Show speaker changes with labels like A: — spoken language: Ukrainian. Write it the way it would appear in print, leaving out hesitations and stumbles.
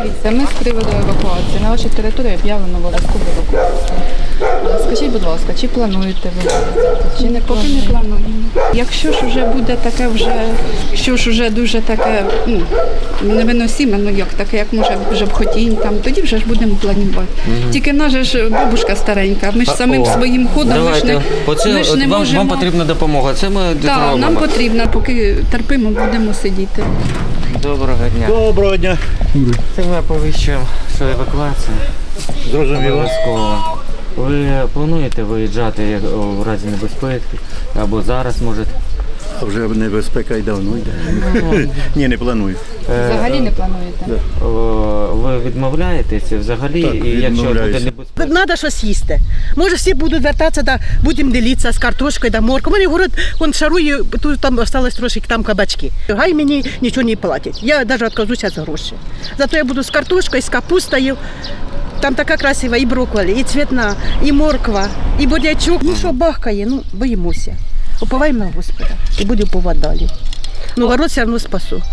A: Дивіться, ми з приводу евакуації. На вашій території об'явлено обов'язкову евакуацію. Скажіть, будь ласка, чи плануєте ви виїздити, чи не
B: Поки
A: плануєте?
B: не плануємо. Якщо ж вже буде таке, що ж вже дуже таке невиносиме, ну як таке, як може вже б хотіємо, там, тоді вже ж будемо планувати. Тільки наша ж бабушка старенька, ми ж самим своїм ходом ми ж не можемо.
C: Вам потрібна допомога. Це ми
B: Так,
C: зробимо.
B: нам потрібно, поки терпимо, будемо сидіти.
C: Доброго дня.
D: Доброго дня.
C: Це ми оповіщуємо, що евакуація
D: Зрозуміло.
C: обов'язково. Ви плануєте виїжджати в разі небезпеки або зараз можете?
D: А вже небезпека й давно йде. Ні, не планую.
A: Взагалі не плануєте?
C: Ви відмовляєтеся взагалі,
D: Так,
C: і якщо буде
D: відмовляюся.
C: небезпека?
E: Треба щось їсти. Може, всі будуть вертатися, да, будемо ділитися з картошкою, да, моркою. У мене город, он шарує, тут там залишилось трошки там кабачки. Гай мені нічого не платять. Я навіть відказуюся з грошей. Зато я буду з картошкою, з капустою. Там така красива і брокколі, і цвітна, і морква, і бурячок. Ну що бахкає, ну боїмося. Уповаємо на Господа і будемо уповати далі. Ну город все одно спасу.